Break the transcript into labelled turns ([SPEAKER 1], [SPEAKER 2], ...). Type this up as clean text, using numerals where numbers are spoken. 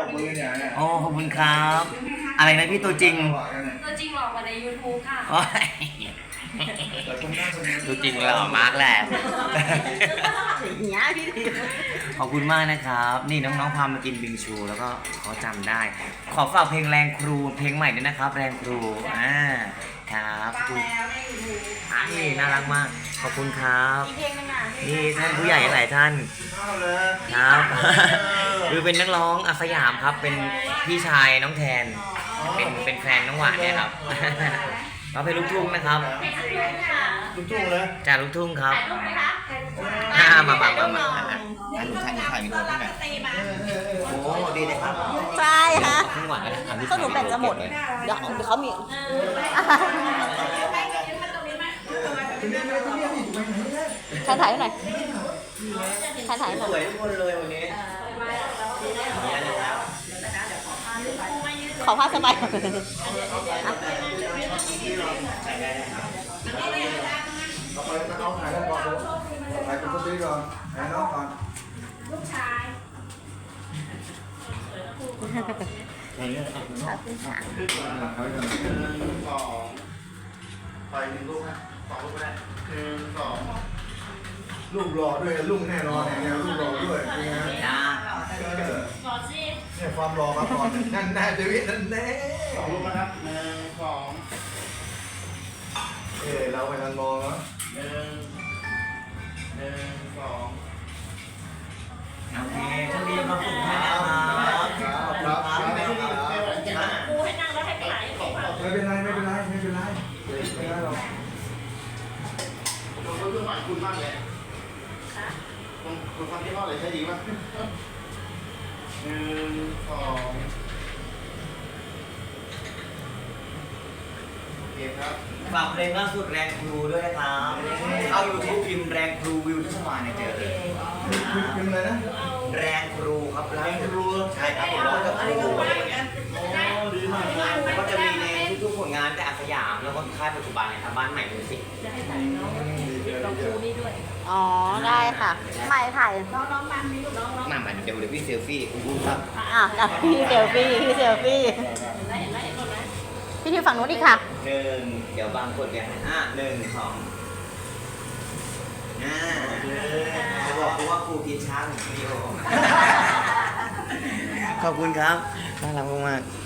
[SPEAKER 1] โอ้ขอบคุณครับ อะไรนะพี่ตัวจริง
[SPEAKER 2] ตัวจริงหลอกกว่าใน YouTube ค่ะ
[SPEAKER 1] โอ้ยตัวจริงเหรอมาร์กแหละ
[SPEAKER 3] อย่างเงี้ยพี่ดิว
[SPEAKER 1] ขอบคุณมากนะครับ นี่น้องๆพามากินบิงชูแล้วก็เขาจำได้ ขอฝากเพลงแรงครูเพลงใหม่ด้วยนะครับ แรงครูครับนี่น่ารักมาก ขอบคุณครับ
[SPEAKER 3] อีกเพลงนึงอ่ะ
[SPEAKER 1] นี่ท่านผู้ใหญ่หลายท่านครับ คือเป็นนักร้องอาสยามครับ เป็นพี่ชายน้องแทน เป็นแฟนน้องหวานเนี่ยครับ เราเพลงลูกทุ่งนะครับ
[SPEAKER 4] ลูกทุ่งเลย
[SPEAKER 1] จากลูกทุ่งครับ
[SPEAKER 3] รูปไหมคะ
[SPEAKER 1] มาอันนี้ถ่ายวิดีโอที่ไหนโอ้ดีเลยครับ
[SPEAKER 3] ใช่ฮะ
[SPEAKER 1] ทุ่งหวาน
[SPEAKER 3] สรุปแบตจะหมด เดี๋ยวเขามีใครถ่ายให้หน่อยใครถ่ายให้หน่อย
[SPEAKER 1] สวยทุกคนเลยวันนี้
[SPEAKER 3] ขอผ้าสบาย
[SPEAKER 4] เอาถ่ายแล้วก่อนถ่ายคุณสตีก่อนถ่ายน้องก่อน
[SPEAKER 2] ลูกชาย
[SPEAKER 4] ไปหนึ่งลูกนะสองลูกก็ได้1 2ลูกหล่อด้วยลูกแน่นอนเนี่ยลูกหล่อด้วยเนี่ย
[SPEAKER 2] ขอสิ
[SPEAKER 4] เนี่ยความหล่อมาก่อนนั่นแน่เดวิดนั่นแน่
[SPEAKER 5] 2 ลูกนะครับ1 2
[SPEAKER 4] เราไปกันมองแล้ว
[SPEAKER 5] 1 2
[SPEAKER 1] โอเคช่วงนี้มาฝึกให้นะครับขอบคุณครับ
[SPEAKER 2] ครูให้นั่งแล้วให้ไปไหน
[SPEAKER 4] ไม่เป็นไรไม่เป็นไรไม่เป็นไรไม่เป็นไรหรอก
[SPEAKER 5] ผมก็เพื่อนหมายคุณมากเลยคุณฟังที่ห้อเลยใช้ดีป่ะ1 2โอเคครับ
[SPEAKER 1] ฝากเพลงล่าสุดแรงครูด้วยนะครับเข้า YouTube พิมพ์แรงครูวิวทุกวันเนี่ยเจอเลย
[SPEAKER 4] เป็นอะไรนะ
[SPEAKER 1] แรงครูครับแรงครูใช่ครับผมร้องกับครูอะไรอย่างเงี้ย
[SPEAKER 5] ดีมาก
[SPEAKER 1] ก็จะมีในทุกๆผลงานแต่อาสยามแล้วก็ค่ายปัจจุบันเนี่ยครับบ้านใหม่มิวสิก
[SPEAKER 2] จะให้ใส่น้องครูนี่ด้วย
[SPEAKER 3] อ๋อ ได้ค่ะไม่ถ่าย
[SPEAKER 2] น้องมันมีลูกน้อง
[SPEAKER 1] มาเดี๋ยวพี่เซลฟี่คุณผู้ครับ
[SPEAKER 3] พี่เซลฟี่พี่เซลฟี่
[SPEAKER 2] เห็นไหมเห็นไหมเห็นไหม
[SPEAKER 3] พี่ที่ฝั่งนู้นอีกค่ะ
[SPEAKER 1] หนึ่งเดี๋ยวบางคนเนี่ย1 2เขาบอกว่าครูกินช้างวิดีโอขอบคุณครับน่ารักมาก